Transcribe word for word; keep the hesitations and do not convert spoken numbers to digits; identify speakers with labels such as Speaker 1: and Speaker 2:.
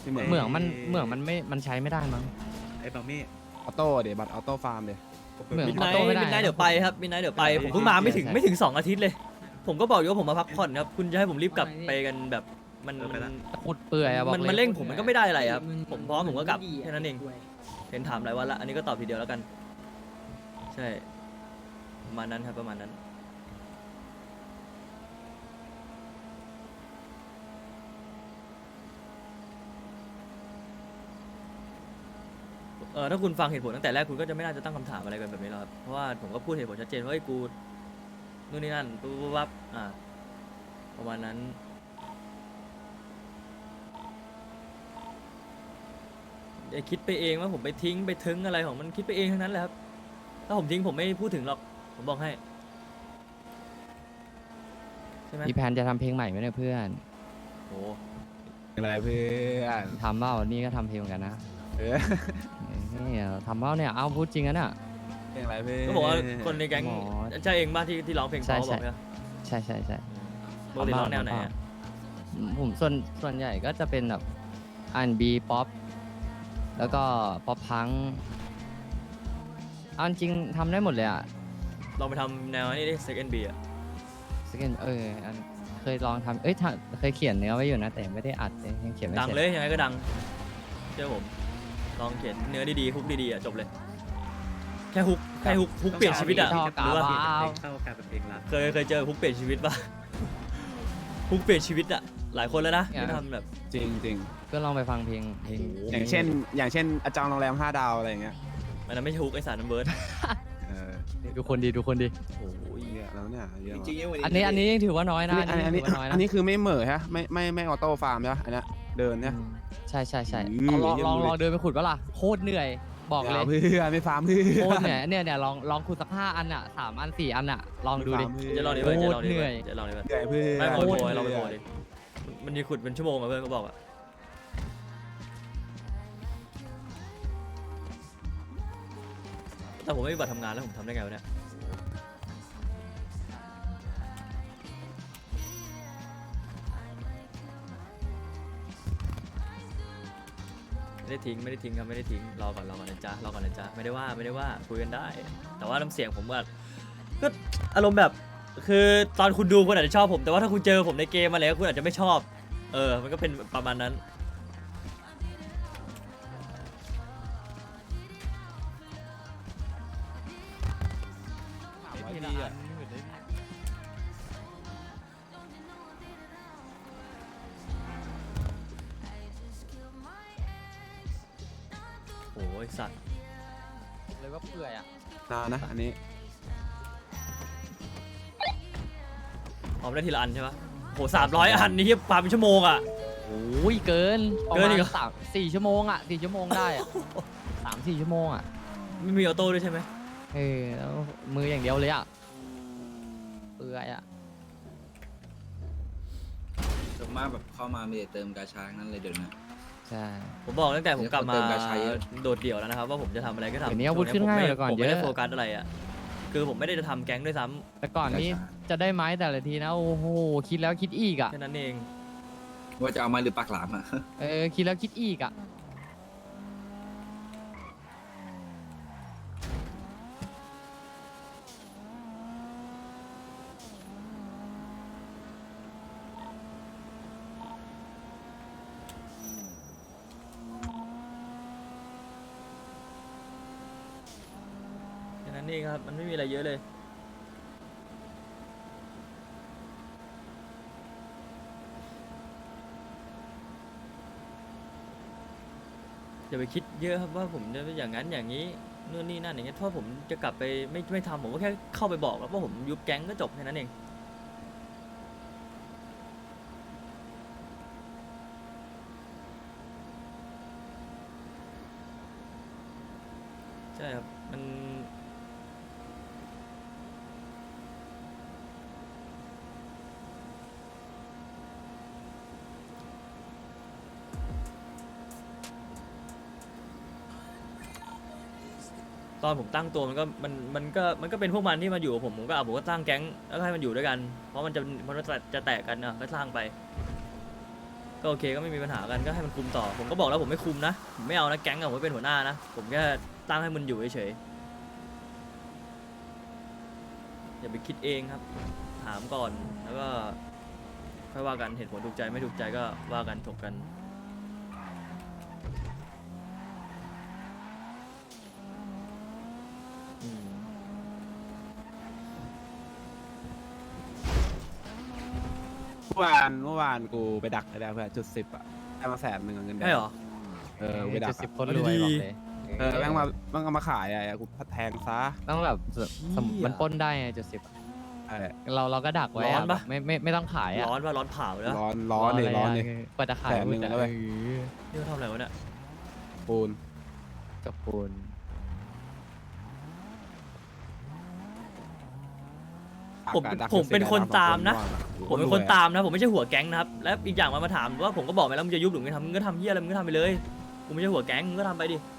Speaker 1: ที่เหมือง
Speaker 2: เหมืองมันเหมืองมันไม่มันใช้ไม่ได้มั้ง
Speaker 3: ไอ้บามี่
Speaker 1: ออโต้เดี๋ยวบัตรออโต้ฟาร์มเดี๋ยว
Speaker 2: เหมือน
Speaker 4: มิด
Speaker 2: อ
Speaker 4: ไน
Speaker 2: อ
Speaker 4: ท์
Speaker 2: โต้ไม่ได้
Speaker 4: มิดไนท์เดี๋ยวไปครับมิดไนท์เดี๋ยวไป
Speaker 3: เออ
Speaker 4: ผมเพิ่งมาไม่ถึง
Speaker 2: ใช่
Speaker 4: ไม่ถึงสองอาทิตย์เลย ผมก็บอกอยู่ว่าผมมาพักผ่อนครับคุณจะให้ผมรีบกลับไปกันแบบมัน
Speaker 3: เออไป
Speaker 4: มัน
Speaker 3: ละ
Speaker 2: ขุดเปื่อยอะบอก
Speaker 4: มัน
Speaker 2: เลย
Speaker 4: มันเร่งผมมันก็ไม่ได้อะไรครับผมพร้อมผมก็กลับแค่นั้นเองเห็นถามหลายวันละอันนี้ก็ตอบทีเดียวแล้วกัน ใช่ประมาณนั้นครับประมาณนั้นเออถ้าคุณฟังเหตุผลตั้งแต่แรกคุณก็จะไม่น่าจะตั้งคำถามอะไรกันแบบนี้หรอกครับเพราะว่าผมก็พูดเหตุผลชัดเจนว่าเฮ้ยกูนู่นนี่นั่นปุ๊บปุ๊บปั๊บอ่าประมาณนั้นอย่าคิดไปเองว่าผมไปทิ้งไปถึงอะไรของมันคิดไปเองทั้งนั้นแหละครับถ้าผมทิ้งผมไม่พูดถึงหรอกผมบอกให้ใช่ไหม
Speaker 2: มีแผนจะทำเพลงใหม่ไหมเนี่ยเพื่อน
Speaker 4: โอ้
Speaker 1: อะไรเพื่อน
Speaker 2: ทำเปล่านี่ก็ทำเพลงเหมือนกันนะ
Speaker 1: เออ
Speaker 2: นี่ทำเปล่าเนี่ยเอาพูดจริงอะเนี่ย
Speaker 1: เพลงอะไรเพื่อน
Speaker 4: ก็บอกว่าคนในแก๊ง
Speaker 2: หมอ
Speaker 4: ใช่เองบ้างที่ที่ร้องเพลง
Speaker 2: ใช่
Speaker 4: เขาบอก
Speaker 2: ใช่
Speaker 4: ใช่ไหม
Speaker 2: ใช่ใช่ใช่
Speaker 4: ปกติร้องแนวไหนอะ
Speaker 2: ผมส่วนส่วนใหญ่ก็จะเป็นแบบอันบีป๊อปแล้วก็ป๊อปพังเอาจริงทำได้หมดเลยอ่ะ
Speaker 4: ลองไปทำแนวนี้ดิ second B อะ
Speaker 2: สกินเอออันเคยลองทำเอ้ยถ้าเคยเขียนเนื้อไว้อยู่นะแต่ไม่ได้อัดเลยยังเขียนไม่
Speaker 4: ดัง
Speaker 2: เสร็จ
Speaker 4: เลยยังไงก็ดังเชื่อผมลองเขียนเนื้อดีๆฮุกดีๆอะจบเลย แค่ฮุกแค่ฮุกฮุกเปลี่ยนชีวิตอะ
Speaker 2: ชอบ
Speaker 4: หรือว่า
Speaker 2: กาบา
Speaker 3: เข้ากับเพลงรัก
Speaker 4: เคยเคยเจอฮุกเปลี่ยนชีวิตป่ะ ฮุกเปลี่ยนชีวิตอะหลายคนแล้วนะที่ทำแบบ
Speaker 1: จริงจริง
Speaker 2: ก็ลองไปฟังเพลงเพลง
Speaker 1: ๆอย่างเช่น อย่างเช่นอาจารย์โรงแรมห้าดาวอะไรอย่างเงี้ย
Speaker 4: มันนั้นไม่ใช่ฮุกไอสารนัมเบิร์ด
Speaker 1: เออ
Speaker 2: ดูคนดีดูคนดี
Speaker 4: โอ้ย
Speaker 1: เยอะแล้วเนี่ยเยอะ
Speaker 5: จริง
Speaker 1: ว่ะ
Speaker 5: ๆ
Speaker 2: อันนี้อันนี้ยังถือว่าน้อยนะ
Speaker 1: อันนี้อันนี้
Speaker 2: ถืว่าน้อยนะ
Speaker 1: อันนี้คือไม่เหม่อฮะไม่ไม่ไม่ออโต้ฟาร์มใช่ปะอันเนี้ยเดินเนี่ย
Speaker 2: อืมใช่ใช่ใช่
Speaker 1: อืม
Speaker 2: ลองลอง
Speaker 1: เยี่ยมเลย
Speaker 2: ลองเดินไปขุดก็ล่ะโคตรเหนื่อยบอกเลย
Speaker 1: อาเพื่อนไม่ฟาร์มเพื่อน
Speaker 2: โคตรเหนื่อยเนี่ยเนี่ยลองลองขุดสักห้าอันอ่ะสามอันสี่อันอ่ะลองดูดิ
Speaker 4: จะลองดิเพื่อนจะลองดิ
Speaker 2: เหนื่
Speaker 4: เพื่
Speaker 2: อ
Speaker 4: อย นจะลองดิเพื่อน
Speaker 1: เหนื่อยเพื่อน
Speaker 4: ไม่โผล่โผล่
Speaker 2: โคตร
Speaker 4: ลองไป
Speaker 2: เหนื่
Speaker 4: โผล่
Speaker 2: อย
Speaker 4: ดิมันมีขุดเป็นชั่วโมงอะเพื่อนก็บอกอะแต่ผมไม่มีบัตรทำงานแล้วผมทำได้ไงวะเนี่ยไม่ได้ทิ้งไม่ได้ทิ้งครับไม่ได้ทิ้งรอก่อนรอก่อนนะจ๊ะรอก่อนนะจ๊ะไม่ได้ว่าไม่ได้ว่าคุยกันได้ แต่ว่าน้ำเสียงผมก็ก็อารมณ์แบบคือตอนคุณดูคุณอาจจะชอบผมแต่ว่าถ้าคุณเจอผมในเกมมาแล้วคุณอาจจะไม่ชอบเออมันก็เป็นประมาณนั้นโอ้ยสัตว์
Speaker 2: เลยว่าเปื่อยอ่ะ
Speaker 1: นานนะอันนี้
Speaker 4: ออกได้ทีละอันใช่ปะโหสามร้อยอันนี่ปาเป็นชั่วโมงอ่ะ
Speaker 2: โอ้ยเกิน
Speaker 4: เกินอีกเหรอ
Speaker 2: ประมาณสามสี่ชั่วโมงอ่ะสี่ชั่วโมงได้อ่ะสามสี่ชั่วโมงอ่ะ
Speaker 4: ไม่มีออโต้ด้วยใช่ไหม
Speaker 2: เออแล้วมืออย่างเดียวเลยอ่ะเปื่อยอ่ะ
Speaker 5: ส่วนมากแบบเข้ามามีแต่เติมกาชาทั้งนั้นเลยเดี๋ยวนี้
Speaker 2: ใช่
Speaker 4: ผมบอกตั้งแต่ผมกลับมา
Speaker 5: เติมกาชาเยอะ
Speaker 4: โดดเดี่ยวแล้วนะครับว่าผมจะทำอะไรก็ทำ
Speaker 2: เดี๋ยวนี้อาวุธขึ้นง่ายกว่าก่อน
Speaker 4: ผมไม่ได้
Speaker 2: เยอะ
Speaker 4: โฟกัสอะไรอ่ะคือผมไม่ได้จะทำแก๊งด้วยซ้ำ
Speaker 2: แต่ก่อนนี้จะได้ไม้แต่ละทีนะโอ้โหคิดแล้วคิดอีกอ่ะ
Speaker 4: แค่นั้นเอง
Speaker 5: ว่าจะเอามาหรือปากหลามอ่ะ
Speaker 2: เออคิดแล้วคิดอีกอ่ะ
Speaker 4: แค่นั้นเองครับมันไม่มีอะไรเยอะเลยอย่าไปคิดเยอะครับว่าผมจะอย่างนั้นอย่างนี้นู่นนี่นั่นอย่างเงี้ยถ้าผมจะกลับไปไม่ไม่ทำผมก็แค่เข้าไปบอกแล้วว่าผมยุบแก๊งก็จบแค่นั้นเองใช่ครับมันตอนผมตั้งตัวมันก็มันมันก็มันก็เป็นพวกมันที่มาอยู่กับผมผมก็เอาผมก็สร้างแก๊งแล้วก็ให้มันอยู่ด้วยกันเพราะมันจะมันจะจะแตกกันเนาะก็สร้างไปก็โอเคก็ไม่มีปัญหากันก็ให้มันคุมต่อผมก็บอกแล้วผมไม่คุมนะผมไม่เอานะแก๊งอะผมไม่เป็นหัวหน้านะผมแค่ตั้งให้มันอยู่เฉยๆอย่าไปคิดเองครับถามก่อนแล้วก็ค่อยว่ากันเหตุผลถูกใจไม่ถูกใจก็ว่ากันถกกันอืม
Speaker 1: เมื่อวานเมื่อวานกูไปดักได้แล้วเพื่อนจุดสิบอ่ะได้มาแสนหนึ่งอะเงินแดง
Speaker 4: ใช่เหรอ
Speaker 1: เออกูไปดั
Speaker 2: จุ
Speaker 1: ก
Speaker 2: ดสิบ
Speaker 1: อะ
Speaker 2: คนรวยบอกเลย
Speaker 1: เออแม่งมาแม่งเอามาขายอ่ะกูแทงซะ
Speaker 2: ต้องแบบสม
Speaker 4: เหี้ย
Speaker 2: มันปล้นได้ไงจุดสิบ
Speaker 1: เออ
Speaker 2: เราเราก็ดักไว้
Speaker 4: ร้อน
Speaker 2: อะ
Speaker 4: ปะ
Speaker 2: แบบไม่ไม่ไม่ต้องขายอ่ะ
Speaker 4: ร้อนว่าร้อนเผาแล้ว
Speaker 1: ร้อนร้อนเลยร้อนเลย
Speaker 2: กว่าจะขาย
Speaker 1: แสนหนึ่ง
Speaker 2: จะ
Speaker 1: แล้วเว้ย
Speaker 2: เออ
Speaker 4: นี่เขาทำอะไรวะเนี่ย
Speaker 1: ปูน
Speaker 2: กับปูน
Speaker 4: ผม
Speaker 1: ดักดัก
Speaker 4: ผมเป็นคนตามนะ
Speaker 1: สอง
Speaker 4: ผมเป็นคนตามนะผมไม่ใช่หัวแก๊งนะครับและอีกอย่างมามาถามว่าผมก็บอกไปแล้วมึงจะยุบหรือไม่ทำมึงก็ทำเหี้ยอะไรมึงก็ทำไปเลยกูไม่ใช่หัวแก๊งมึงก็ทำไปดิ